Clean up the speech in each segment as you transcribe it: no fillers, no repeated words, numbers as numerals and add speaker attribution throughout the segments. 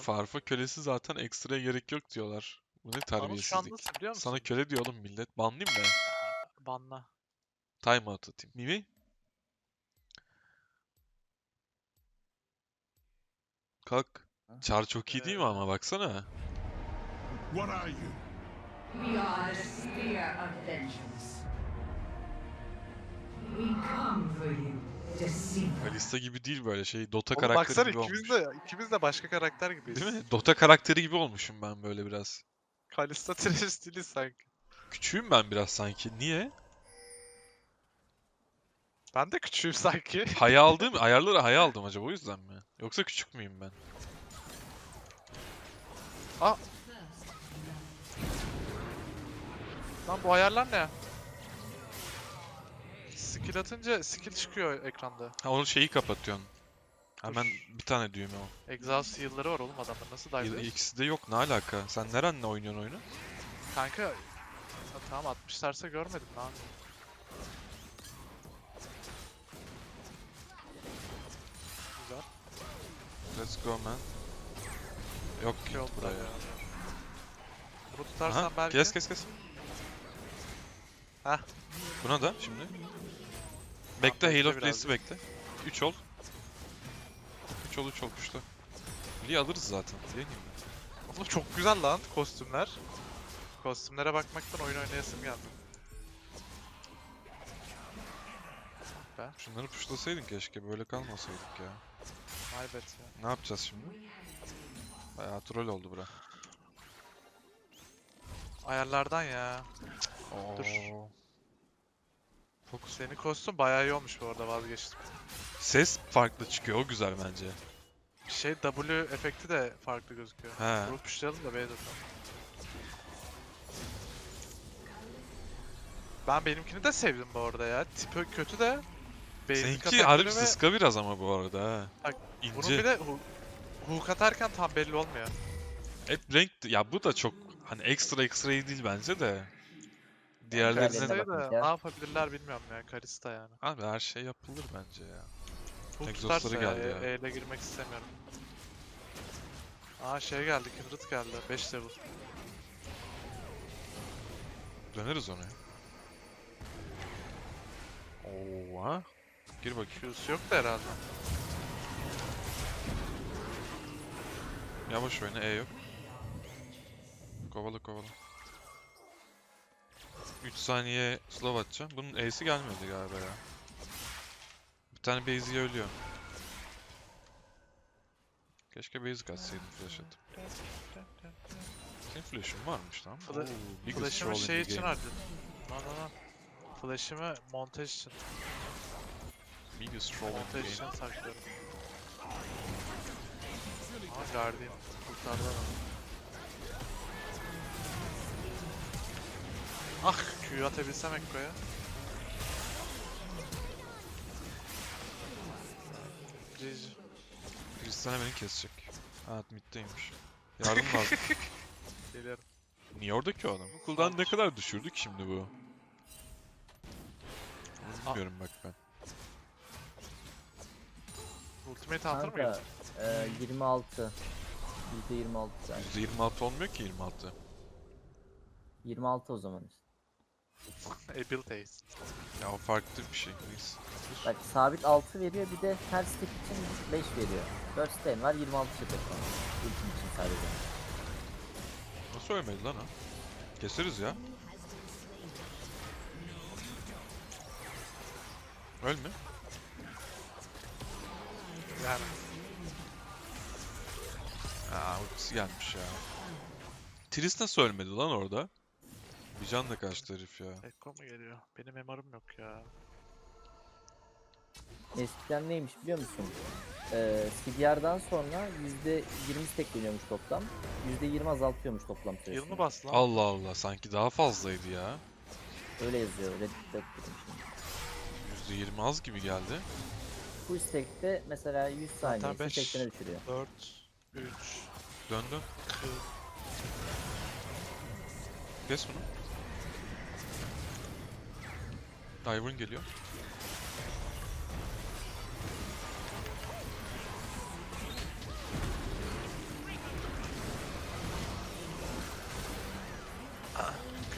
Speaker 1: Farfa kölesi zaten ekstraya gerek yok diyorlar. Bu ne
Speaker 2: Anıl şu an
Speaker 1: terbiyesizlik.
Speaker 2: nasıl biliyor musun?
Speaker 1: Sana köle diyor oğlum millet. Banlayayım mı?
Speaker 2: Banla.
Speaker 1: Time out atayım. Mimi? Kalk. Char çok iyi değil mi ama baksana.
Speaker 3: What are you?
Speaker 4: We are the spear of vengeance. We come for you, deceiver.
Speaker 1: Kalista gibi değil böyle şey. Dota
Speaker 2: Oğlum
Speaker 1: karakteri
Speaker 2: baksana
Speaker 1: gibi olmuş.
Speaker 2: ikimiz de başka karakter gibiyiz.
Speaker 1: Değil mi? Dota karakteri gibi olmuşum ben böyle biraz.
Speaker 2: Kalista trash stili sanki.
Speaker 1: Küçüğüm ben biraz sanki. Niye?
Speaker 2: Ben de küçüğüm sanki.
Speaker 1: Haya aldığım, ayarları haya aldım acaba o yüzden mi? Yoksa küçük müyüm ben?
Speaker 2: Lan bu ayarlar ne? Skill atınca skill çıkıyor ekranda.
Speaker 1: Ha onun şeyi kapatıyorsun. Hemen bir tane düğme o.
Speaker 2: Exhaust heal'ları var oğlum adamlar. Nasıl dive?
Speaker 1: İkisi de yok. Ne alaka? Sen nerenle oynuyorsun oyunu?
Speaker 2: Kanka tamam atmışlarsa görmedim lan. Güzel.
Speaker 1: Let's go man. Yok
Speaker 2: Şey
Speaker 1: ki
Speaker 2: oldu
Speaker 1: buraya.
Speaker 2: ya. Bunu tutarsan
Speaker 1: Aha,
Speaker 2: belki.
Speaker 1: kes.
Speaker 2: Heh.
Speaker 1: Buna da şimdi. Bekle, Hail
Speaker 2: bekle
Speaker 1: of Blaze'i
Speaker 2: birazcık.
Speaker 1: bekle. 3 ol. 3 ol kuşta. Lee alırız zaten. Değil mi?
Speaker 2: Oğlum çok güzel lan kostümler. Kostümlere bakmaktan oyun oynayasım geldi. Be.
Speaker 1: Şunları puşlasaydın keşke. Böyle kalmasaydık ya.
Speaker 2: Maybet ya.
Speaker 1: Ne yapacağız şimdi? Bayağı troll oldu bura.
Speaker 2: Ayarlardan ya. Dur.
Speaker 1: Oo. Fokus.
Speaker 2: Senin kostüm bayağı iyi olmuş bu arada vazgeçtim.
Speaker 1: Ses farklı çıkıyor. O güzel bence.
Speaker 2: Şey W efekti de farklı gözüküyor.
Speaker 1: He.
Speaker 2: Vurup puşlayalım da B'ye Ben benimkini de sevdim bu arada ya. Tipi kötü de. Basic
Speaker 1: Seninki
Speaker 2: atakları
Speaker 1: harbi
Speaker 2: ve
Speaker 1: sıska biraz ama bu arada ha.
Speaker 2: Bak, bunun
Speaker 1: İnce.
Speaker 2: bir de hook atarken tam belli olmuyor.
Speaker 1: Hep renk... Ya bu da çok hani ekstra iyi değil bence de.
Speaker 5: Diğerlerine
Speaker 1: Diğerlerine...
Speaker 2: Kalista'yı da
Speaker 5: bakınca-
Speaker 2: ne yapabilirler bilmiyorum ya. Kalista yani.
Speaker 1: Abi her şey yapılır bence ya.
Speaker 2: Hook
Speaker 1: Exhaust'ları
Speaker 2: tutarsa ya,
Speaker 1: geldi ya.
Speaker 2: E ile girmek istemiyorum. Aa şey geldi, Kindred geldi. 5 level.
Speaker 1: Döneriz ona. Oo ha. Gir bakayım.
Speaker 2: Q'su yok da herhalde.
Speaker 1: Yavaş oyna, E yok. Kovala. 3 saniye slow atacağım. Bunun E'si gelmedi galiba ya. Bir tane Basic ölüyor. Keşke Basic atsaydım flash atıp. Senin flash'ın varmış lan.
Speaker 2: Fla-
Speaker 1: Oo, biggest
Speaker 2: Flash'ımı
Speaker 1: troll in
Speaker 2: şey
Speaker 1: the
Speaker 2: için
Speaker 1: game.
Speaker 2: harcadım. Lan. Flash'ımı montaj için.
Speaker 1: Biggest troll in the
Speaker 2: Montaj
Speaker 1: game.
Speaker 2: için saklıyorum. Aa Guardian. Kurtardı adamı. Ah Q'yu atabilsem Ekko'ya. GG.
Speaker 1: Tristana beni kesecek. Ha mid'deymiş. Yardım lazım.
Speaker 2: Geliyorum.
Speaker 1: Niye oradaki o adam? Bu cooldown ne kadar düşürdük şimdi bu? Bunu bilmiyorum bak ben.
Speaker 2: Ultimate Hunter mı
Speaker 5: Kanka
Speaker 2: geldi?
Speaker 5: 26. %26 yani.
Speaker 1: %26 olmuyor ki 26.
Speaker 5: 26 o zaman işte.
Speaker 2: Abilities.
Speaker 1: Ya o farklı bir şey. Neyse.
Speaker 5: Bak sabit 6 veriyor, bir de her step için 5 veriyor. 4 step var, 26 step var. Ultim için sadece.
Speaker 1: Nasıl ölmedi lan o? Keseriz ya. Ölme.
Speaker 2: Yani.
Speaker 1: Aa ultisi gelmiş ya. Tris nasıl ölmedi lan orada? Bir canla kaçtı herif ya.
Speaker 2: Ekko mu geliyor? Benim MR'ım yok ya.
Speaker 5: Eskiden neymiş biliyor musun? CDR'dan sonra %20 stack geliyormuş toplam. %20 azaltıyormuş toplam süresini.
Speaker 2: Yıl mı bastı lan?
Speaker 1: Allah Allah sanki daha fazlaydı ya.
Speaker 5: Öyle yazıyor. Reddit'te okudum şimdi.
Speaker 1: %20 az gibi geldi.
Speaker 5: Full stack'te mesela 100
Speaker 2: Zaten
Speaker 5: saniyesi
Speaker 2: beş.
Speaker 5: 80'e düşürüyor.
Speaker 2: 4, 3,
Speaker 1: Dön.
Speaker 2: 40.
Speaker 1: Kes bunu. Ivern geliyor.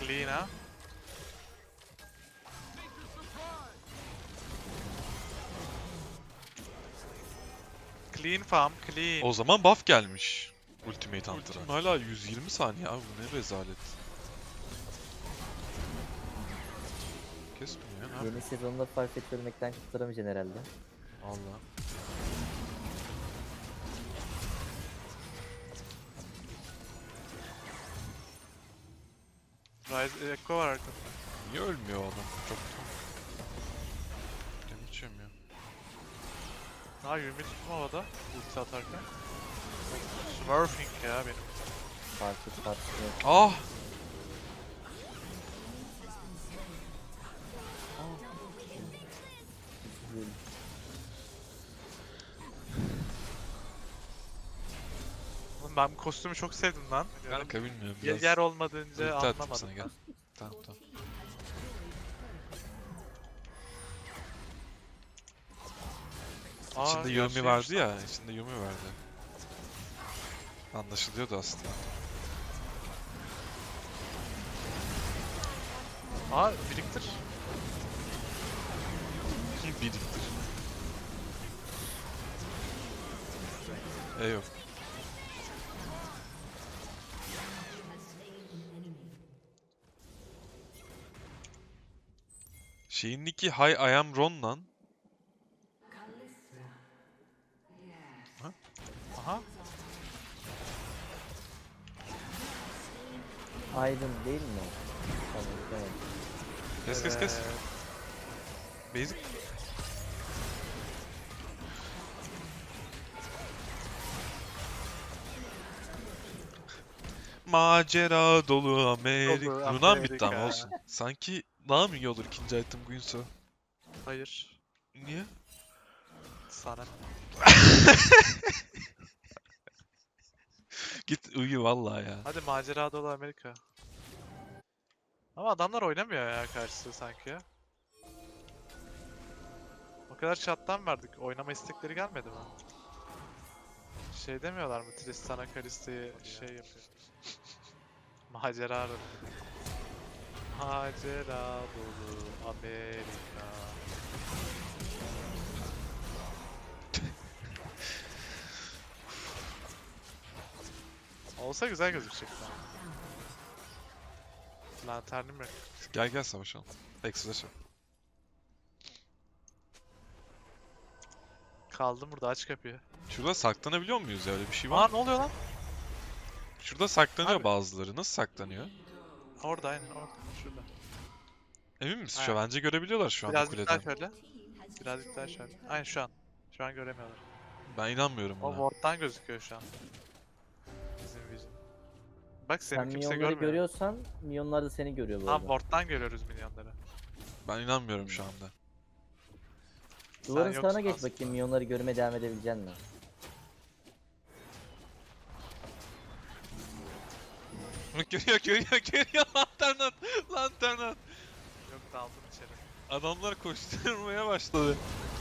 Speaker 2: Clean ha. Clean farm, clean.
Speaker 1: O zaman buff gelmiş. Ultimate Hunter'a. Hala 120 saniye abi, bu ne rezalet. Kesmiyor ya, ne yapayım?
Speaker 5: Yeni sezonda Farfetch ölmekten kurtaramayacaksın herhalde.
Speaker 1: Allah.
Speaker 2: Rise Echo var arkada.
Speaker 1: Niye ölmüyor o adam? Çok damage yemiyor.
Speaker 2: Ha Yumi tuttum havada. Ulti atarken. Smurfing ya benim.
Speaker 5: Farfetch yok.
Speaker 1: Ah!
Speaker 5: Üzüldüm.
Speaker 2: Oğlum ben bu kostümü çok sevdim lan.
Speaker 1: Kanka bilmiyorum
Speaker 2: Yer,
Speaker 1: biraz.
Speaker 2: yer olmadığınca
Speaker 1: Ulti attım
Speaker 2: anlamadım.
Speaker 1: sana, gel. Tamam tamam.
Speaker 2: Aa,
Speaker 1: İçinde Yumi
Speaker 2: gerçekmiş
Speaker 1: vardı
Speaker 2: lan.
Speaker 1: ya, içinde Yumi vardı. Anlaşılıyordu aslında.
Speaker 2: Aa biriktir.
Speaker 1: Biriktir. Yok. Şeyin nicki Hi I am Ron lan.
Speaker 2: Aha.
Speaker 5: Aydın değil mi? Tamam, tamam.
Speaker 1: Kes kes kes. Basic. Macera dolu Amerika.
Speaker 2: Dolu
Speaker 1: Runan bitti ama
Speaker 2: Amerika.
Speaker 1: olsun. Sanki daha mı iyi olur ikinci item Guinsoo?
Speaker 2: Hayır.
Speaker 1: Niye?
Speaker 2: Sana.
Speaker 1: Git uyu vallahi ya.
Speaker 2: Hadi macera dolu Amerika. Ama adamlar oynamıyor ya karşısı sanki ya. O kadar chat'tan verdik. Oynama istekleri gelmedi mi? Şey demiyorlar mı? Tristana Kalista'yı şey yapıyor. Macera dolu. Macera dolu Amerika. Olsa güzel gözükecek lan. Lanternim yok.
Speaker 1: Gel gel savaşalım. Exodus yap.
Speaker 2: Kaldım burada, aç kapıyı.
Speaker 1: Şurada saklanabiliyor muyuz ya, öyle bir şey var
Speaker 2: Aa
Speaker 1: mı?
Speaker 2: ne oluyor lan?
Speaker 1: Şurada saklanıyor
Speaker 2: Abi.
Speaker 1: bazıları. Nasıl saklanıyor?
Speaker 2: Orada aynen orada. Şurada.
Speaker 1: Emin misin?
Speaker 2: Aynen.
Speaker 1: Bence görebiliyorlar şu an bu
Speaker 2: Birazcık daha
Speaker 1: kuleden.
Speaker 2: şöyle. Birazcık daha şöyle. Aynen şu an. Şu an göremiyorlar.
Speaker 1: Ben inanmıyorum
Speaker 2: O
Speaker 1: buna.
Speaker 2: ward'dan gözüküyor şu an. Bizim vision. Bak seni
Speaker 5: Sen
Speaker 2: kimse
Speaker 5: minyonları
Speaker 2: görmüyor.
Speaker 5: görüyorsan minyonlar da seni görüyor bu
Speaker 2: Tam
Speaker 5: arada.
Speaker 2: ward'dan görüyoruz minyonları.
Speaker 1: Ben inanmıyorum şu anda.
Speaker 5: Duvarın
Speaker 2: Sen
Speaker 5: sağına
Speaker 2: yoksun
Speaker 5: geç
Speaker 2: aslında.
Speaker 5: bakayım, minyonları görmeye devam edebilecek misin?
Speaker 1: Görüyor lantern at. Lantern at.
Speaker 2: Yok daldım içeri.
Speaker 1: Adamlar koşturmaya başladı.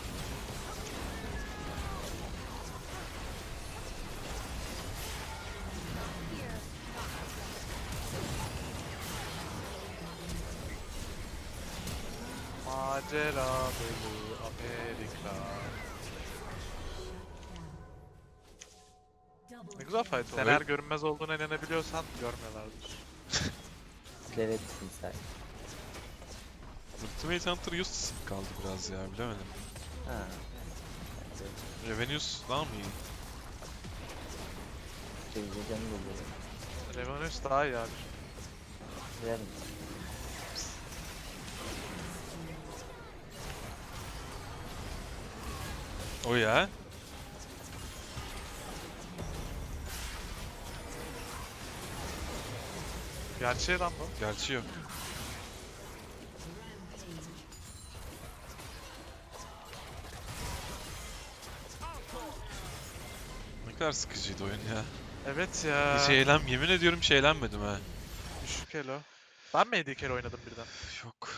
Speaker 2: Macera dolu Amerika. Ne güzel fight oldu. Sen
Speaker 1: Evet.
Speaker 2: eğer görünmez olduğuna inanabiliyorsan görmüyorlardır.
Speaker 5: Evet timsah.
Speaker 1: Ultimate Hunter useless kaldı biraz ya, bilemedim.
Speaker 5: Ha.
Speaker 1: Revenues daha mı iyi?
Speaker 5: Çevirecek canım oluyor.
Speaker 2: Revenus daha iyi abi.
Speaker 5: Ver.
Speaker 1: O ya.
Speaker 2: Gerçeği lan bu.
Speaker 1: Gerçi yok. Ne kadar sıkıcıydı oyun ya.
Speaker 2: Evet ya.
Speaker 1: Yemin ediyorum hiç eğlenmedim ha.
Speaker 2: Düşük elo. Ben mi AD carry oynadım birden?
Speaker 1: Yok.